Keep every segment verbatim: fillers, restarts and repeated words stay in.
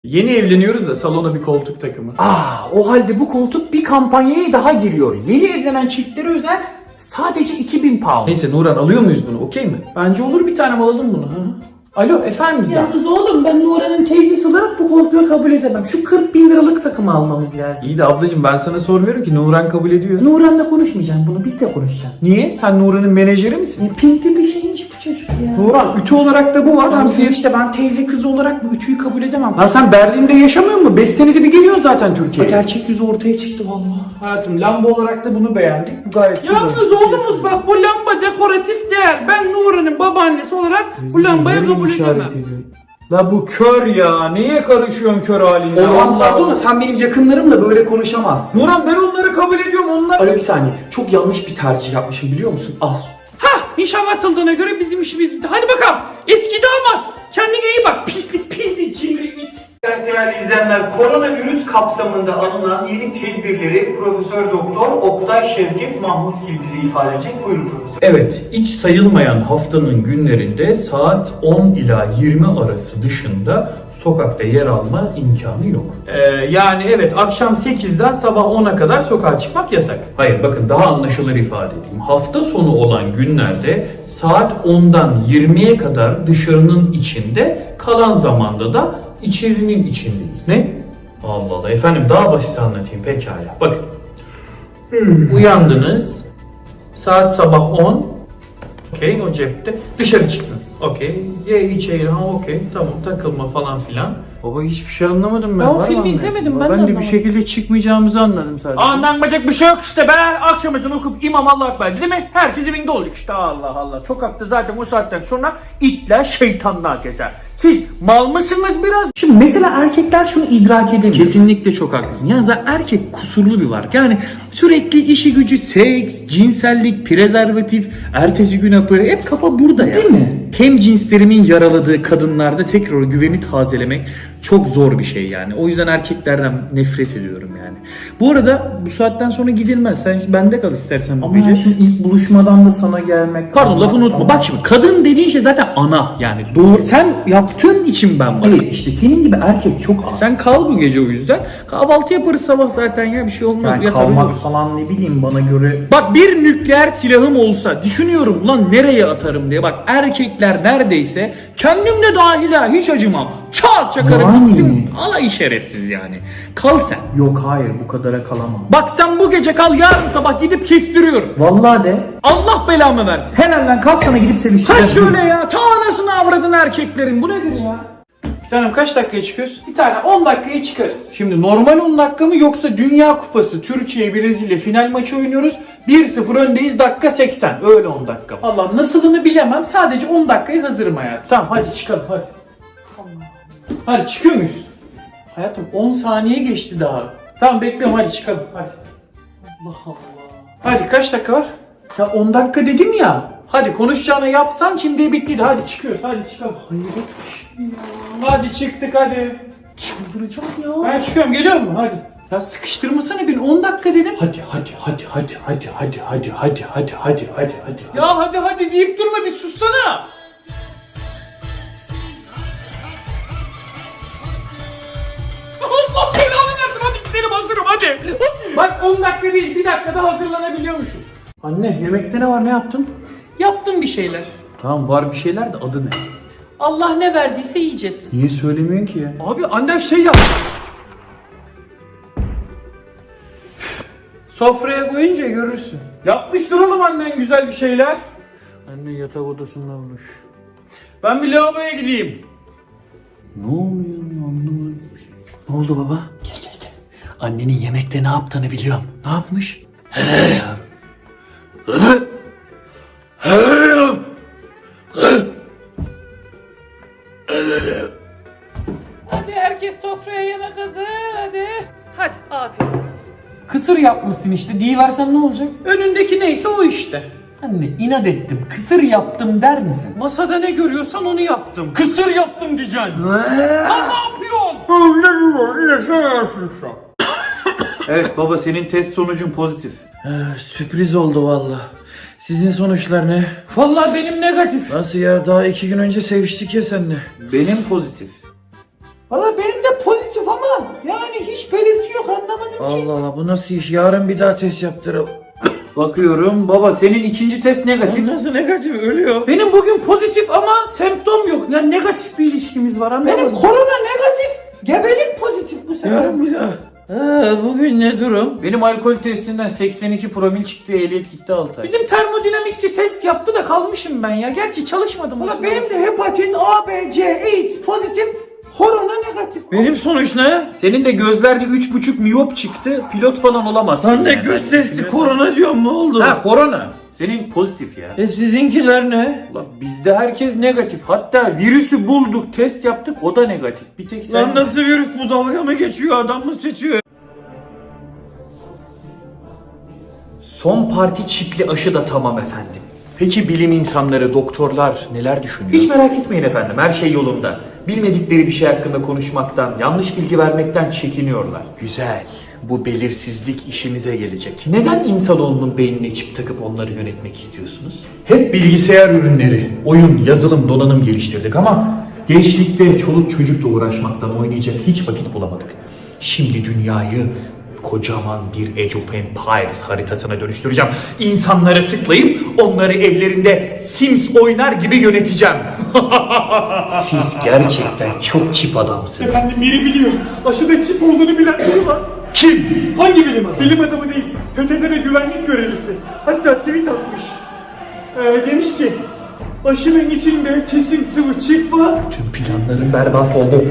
Yeni evleniyoruz da salona bir koltuk takımı. Aa, o halde bu koltuk bir kampanyaya daha giriyor. Yeni evlenen çiftlere özel sadece iki bin pound. Neyse Nuran, alıyor muyuz bunu, okey mi? Bence olur, bir tane alalım bunu. Hı? Alo efendim Gizem. Yalnız oğlum, ben Nuran'ın teyzesi olarak bu koltuğu kabul edemem. Şu kırk bin liralık takımı almamız lazım. İyi de ablacığım, ben sana sormuyorum ki, Nuran kabul ediyor. Nuran'la konuşmayacağım bunu, biz de konuşacağız. Niye? Sen Nuran'ın menajeri misin? Ne pinti bir şeymiş bu çocuk ya. Nuran, ütü olarak da bu var. Yalnız Hani işte ben teyze kızı olarak bu ütüyü kabul edemem. Lan sen Berlin'de yaşamıyor musun? beş senede bir geliyor zaten Türkiye'ye. Gerçek yüzü ortaya çıktı vallahi. Hayatım, lamba olarak da bunu beğendik. Bu gayet güzel. Yalnız oğlumuz bak, bu lamba dekoratif değer. Ben Nuri'nin babaannesi olarak bu lambayı kabul edemem. La bu kör ya. Niye karışıyorsun kör haline? Orhan pardon, sen benim yakınlarımla böyle konuşamazsın. Nuran, ben onları kabul ediyorum. Onlar... Alo bir saniye, çok yanlış bir tercih yapmışım biliyor musun? Al. Hah, nişan atıldığına göre bizim işimiz bitti. Hadi bakalım eski damat, kendine iyi bak, pislik pinti cimri it. Değerli izleyenler, koronavirüs kapsamında alınan yeni tedbirleri Profesör Doktor Oktay Şevket Mahmutgil bize ifade edecek. Buyurun profesör. Evet, hiç sayılmayan haftanın günlerinde saat on ila yirmi arası dışında sokakta yer alma imkanı yok. Ee, yani evet, akşam sekizden sabah ona kadar sokağa çıkmak yasak. Hayır, bakın daha anlaşılır ifade edeyim. Hafta sonu olan günlerde saat ondan yirmiye kadar dışarının içinde, kalan zamanda da içerinin içindeyiz. Ne? Allah Allah efendim, daha basit anlatayım pekala. Bakın. Uyandınız. Saat sabah on. Okey, o cepte. Dışarı çıktınız. Okey. Ye içeri. Ha okey. Tamam, takılma falan filan. Baba hiçbir şey anlamadım ben. Ben o Var filmi mı izlemedim, anlayayım? ben de Ben de bir anlamadım. şekilde çıkmayacağımızı anladım sadece. Anlanmayacak bir şey yok işte be. Akşam ezanı okup imam Allah ekber değil mi? Herkes evinde olacak işte. Allah Allah. Sokakta zaten o saatten sonra itler şeytanlar gezer. Siz mal mısınız biraz? Şimdi mesela erkekler şunu idrak edemiyor. Kesinlikle çok haklısın. Yani zaten erkek kusurlu bir varlık. Yani sürekli işi gücü, seks, cinsellik, prezervatif, ertesi gün hapı, hep kafa burada ya. Değil mi? Hem cinslerimin yaraladığı kadınlarda tekrar o güveni tazelemek çok zor bir şey yani. O yüzden erkeklerden nefret ediyorum yani. Bu arada bu saatten sonra gidilmez. Sen bende kal istersen bu Ama gece. ya şimdi ilk buluşmadan da sana gelmek... Pardon, lafını unutma. Ama- Bak şimdi, kadın dediğin şey zaten ana yani. Doğru. Sen yaptığın için ben varım. Evet işte senin gibi erkek çok az. Sen kal bu gece o yüzden. Kahvaltı yaparız sabah zaten ya, bir şey olmaz. yani Yatar kalmak uyuruz. falan ne bileyim bana göre... Bak, bir nükleer silahım olsa düşünüyorum lan nereye atarım diye. Bak, erkekler neredeyse, kendim de dahil ha, hiç acımam. Çat çakarım Yani. gitsin. Alay şerefsiz yani. Kal sen. Yok hayır, bu kadara kalamam. Bak sen bu gece kal, yarın sabah gidip kestiriyorum. Vallahi de. Allah belamı versin. Hemen lan kalk, sana gidip Ha sevişeceğim. şöyle ya, ta anasını avradın erkeklerin, bu nedir ya? Bir tanem, kaç dakikaya çıkıyoruz? Bir tane on dakikaya çıkarız. Şimdi normal on dakika mı, yoksa Dünya Kupası Türkiye Brezilya final maçı oynuyoruz. bir sıfır öndeyiz, dakika seksen. Öyle on dakika. Allah, nasılını bilemem. Sadece on dakikaya hazırım hayatım. Tamam hadi çıkalım hadi. Hadi çıkıyor muyuz? Hayatım on saniye geçti daha. Tamam bekliyorum, hadi çıkalım hadi. Allah Allah. Hadi kaç dakika var? Ya on dakika dedim ya. Hadi konuşacağını yapsan şimdi bittiydi. Hadi çıkıyoruz, hadi çıkalım. Hayret bir şey ya. Hadi çıktık hadi. Çıldıracağım ya. Ben çıkıyorum, geliyor mu? Hadi. Ya sıkıştırmasana beni, on dakika dedim. Hadi hadi hadi hadi hadi hadi hadi hadi hadi hadi hadi hadi. Ya hadi hadi deyip durma, bir sussana. Allah belanı versin, hadi gidelim, hazırım hadi. Hadi. Bak on dakika değil, bir dakikada hazırlanabiliyormuşum. Anne, yemekte ne var, ne yaptın? Yaptım bir şeyler. Tamam, var bir şeyler de adı ne? Allah ne verdiyse yiyeceğiz. Niye söylemiyorsun ki ya? Abi annem şey yaptı. Sofraya koyunca görürsün. Yapmıştır oğlum annen güzel bir şeyler. Anne yatak odasında olmuş. Ben bir lavaboya gideyim. Ne oluyor, anlamadım. Ne oldu baba? Gel gel gel. Annenin yemekte ne yaptığını biliyorum. Ne yapmış? Hadi herkes sofraya, yemek hazır hadi. Hadi afiyet olsun. Kısır yapmışsın işte, diyiversen ne olacak? Önündeki neyse o işte. Anne inat ettim. Kısır yaptım der misin? Masada ne görüyorsan onu yaptım. Kısır yaptım diyeceksin. Lan ne yapıyorsun? Evet baba, senin test sonucun pozitif. Sürpriz oldu valla. Sizin sonuçlar ne? Vallahi benim negatif. Nasıl ya? Daha iki gün önce seviştik ya seninle. Benim pozitif. Valla benim de pozitif ama yani hiç belirti yok, anlamadım ki. Allah Allah, bu nasıl iş? Yarın bir daha test yaptıralım. Bakıyorum baba, senin ikinci test negatif. Nasıl negatif? Ölüyor. Benim bugün pozitif ama semptom yok. Yani negatif bir ilişkimiz var, anladın Benim mı? korona negatif, gebelik pozitif bu sefer. Yarın bir daha. Ha, bugün ne durum? Benim alkol testinden seksen iki promil çıktı, ehliyet gitti altı ay. Bizim termodinamikçi test yaptı da kalmışım ben ya. Gerçi çalışmadım. Valla benim de hepatit A, B, C, AIDS pozitif, korona negatif. Benim sonuç ne? Senin de gözlerde üç buçuk miyop çıktı, pilot falan olamazsın. Lan ne yani. göz testi, korona diyorum, ne oldu? Ha, korona. Senin pozitif ya. E sizinkiler ne? Ulan bizde herkes negatif. Hatta virüsü bulduk, test yaptık, o da negatif. Bir tek sen... Lan nasıl virüs bu, dalga mı geçiyor, adam mı seçiyor? Son parti çipli aşı da tamam efendim. Peki bilim insanları, doktorlar neler düşünüyor? Hiç merak etmeyin efendim, her şey yolunda. Bilmedikleri bir şey hakkında konuşmaktan, yanlış bilgi vermekten çekiniyorlar. Güzel. Bu belirsizlik işimize gelecek. Neden insanoğlunun beynine çip takıp onları yönetmek istiyorsunuz? Hep bilgisayar ürünleri, oyun, yazılım, donanım geliştirdik ama gençlikte çoluk çocukla uğraşmaktan oynayacak hiç vakit bulamadık. Şimdi dünyayı kocaman bir Age of Empires haritasına dönüştüreceğim. İnsanları tıklayıp onları evlerinde Sims oynar gibi yöneteceğim. Siz gerçekten çok çip adamsınız. Efendim biri biliyor. Aşıda çip olduğunu bilen biri var. Kim? Hangi bilim adamı? Bilim adamı değil. P T T ve güvenlik görevlisi. Hatta tweet atmış. Ee, demiş ki aşının içinde kesin sıvı çip var. Tüm planlarım berbat oldu.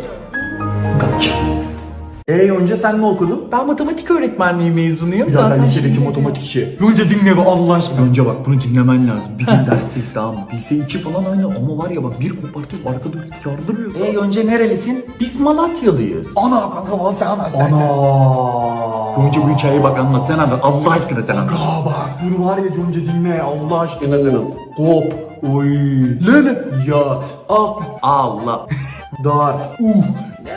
Kaç. Ee Yonca sen ne okudun? Ben matematik öğretmenliği mezunuyum. Ya ben lisedeki matematikçi. Yonca dinle be Allah aşkına. Önce bak bunu dinlemen lazım. Bir gün dersteyiz tamam mı? Lise iki falan aynı ama var ya bak bir kopartıyor arkada yardırıyor. E önce nerelisin? Biz Malatyalıyız. Ana kanka bana sen anlat. Ana. Önce bu hikayeyi bak anlat sen anlat. Allah aşkına sen anlat. Aa bak bunu var ya Yonca dinle Allah aşkına sen anlat. Hop. Oy. Lele. Yat. Ak. Allah. Dar. Uh.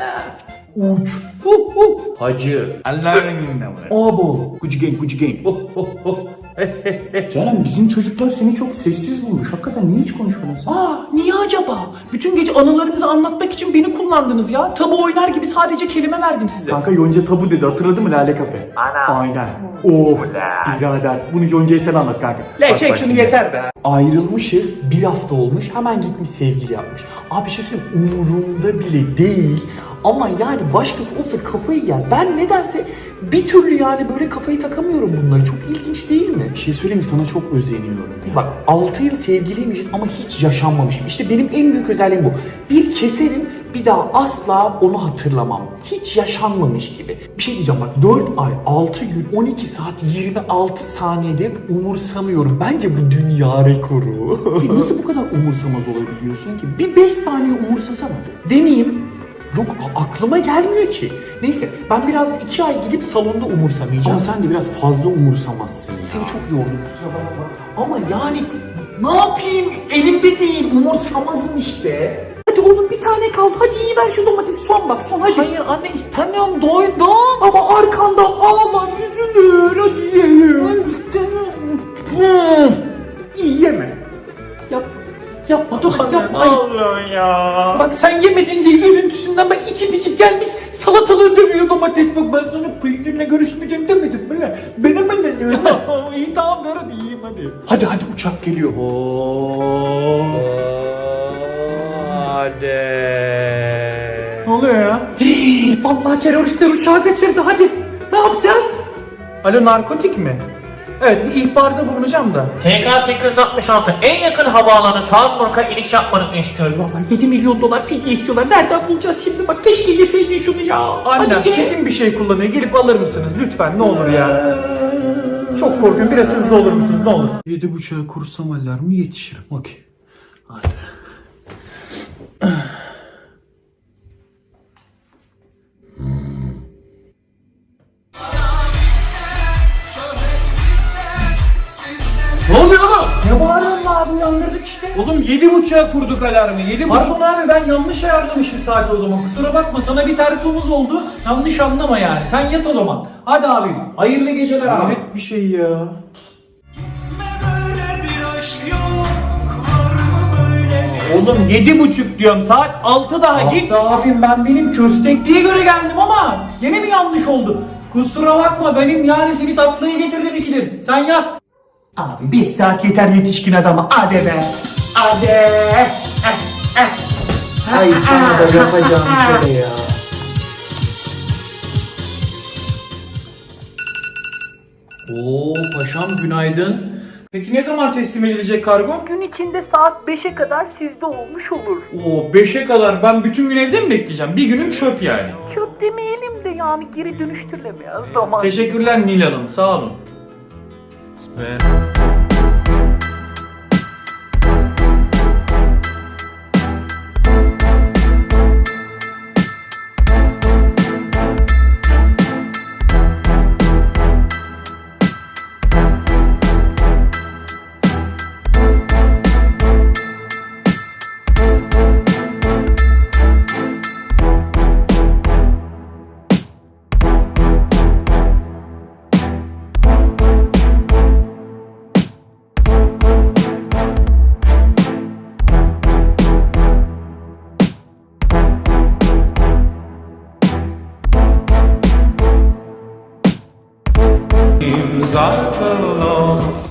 Uç. Uh, uh. Hacı. Allah'ın dinle buraya. Abo. Gucci gang, Gucci gang. Oh, oh, oh. Canım bizim çocuklar seni çok sessiz bulmuş. Hakikaten niye hiç konuşmadın sen? Aa niye acaba? Bütün gece anılarınızı anlatmak için beni kullandınız ya. Tabu oynar gibi sadece kelime verdim size. Kanka Yonca tabu dedi hatırladın mı Lale Kafe? Ana. Aynen. Of. Birader bunu Yonca'ya sen anlat kanka. Le Bak, çek bak şunu şimdi. yeter be. Ayrılmışız, bir hafta olmuş, hemen gitmiş sevgili yapmış. Abi bir şey söyleyeyim, umurumda bile değil. Ama yani başkası olsa kafayı yer. Ben nedense bir türlü yani böyle kafayı takamıyorum bunları. Çok ilginç değil mi? Bir şey söyleyeyim mi? Sana çok özeniyorum. Bak altı yıl sevgiliymişiz ama hiç yaşanmamışım. İşte benim en büyük özelliğim bu. Bir keserim, bir daha asla onu hatırlamam. Hiç yaşanmamış gibi. Bir şey diyeceğim bak dört ay, altı gün, on iki saat, yirmi altı saniyede umursamıyorum. Bence bu dünya rekoru. E nasıl bu kadar umursamaz olabiliyorsun ki? Bir beş saniye umursasana. Deneyeyim. Yok a- aklıma gelmiyor ki. Neyse ben biraz iki ay gidip salonda umursamayacağım. Ama sen de biraz fazla umursamazsın ya. Seni çok yordum kusura bakma. Ama yani ne yapayım elimde değil umursamazım işte. Hadi oğlum bir tane kaldı. Hadi iyi ver şu domatesi, son bak son hadi. Hayır anne istemiyorum, doydum. Ama arkandan ağlar üzülür hadi ye. İyi yeme. Yap. Yapma dur yapma. Allah ya. Bak sen yemedin diye üzüntüsünden ben içip içip gelmiş salatalığı dövüyor domates. Bak ben sana peynirle görüşmeyeceğim demedim mi lan? Ben hemen dedim. İyi tamam ver hadi yiyeyim hadi. Hadi hadi uçak geliyor. Hadi. Ne oluyor ya? Vallahi teröristler uçağı kaçırdı hadi. Ne yapacağız? Alo narkotik mi? Evet bir ihbarda bulunacağım da. T K sekiz yüz altmış altı en yakın havaalanı Salzburg'a iniş yapmanızı istiyoruz. Vallahi yedi milyon dolar fidye istiyorlar. Nereden bulacağız şimdi? Bak keşke yeseydin şunu ya. Anne Hadi ye. kesin bir şey kullanıyor. Gelip alır mısınız? Lütfen ne olur ya. Çok korkuyorum. Biraz hızlı olur musunuz? Ne olur. Yedi buçuğa kursam alarmı yetişirim. Okey. Hadi. Ne oluyor oğlum? Ne bağırıyorsun abi, uyandırdık işte. Oğlum yedi buçuğa kurduk alarmı. Yedi buçuk. Pardon abi ben yanlış ayarlamışım saat o zaman. Kusura bakma, sana bir ters omuz oldu. Yanlış anlama yani. Sen yat o zaman. Hadi abim. Hayırlı geceler abi. Hayret bir şey ya. Böyle bir aşk yok. Var mı böyle bir Oğlum yedi buçuk diyorum, saat altı daha git. Abim ben benim köstekliğe göre geldim ama yine mi yanlış oldu? Kusura bakma benim yani seni tatlıya getirdim ikidir. Sen yat. Abi bir saat yeter yetişkin adama. Hadi be. Hadi. Eh, eh. Ay sana da yapacağım şöyle ya. Oo paşam günaydın. Peki ne zaman teslim edilecek kargo? Gün içinde saat beşe kadar sizde olmuş olur. Oo beşe kadar ben bütün gün evde mi bekleyeceğim? Bir günüm çöp yani. Çöp demeyelim de yani geri dönüştürülemeyen zaman. Teşekkürler Nil Hanım, sağ olun.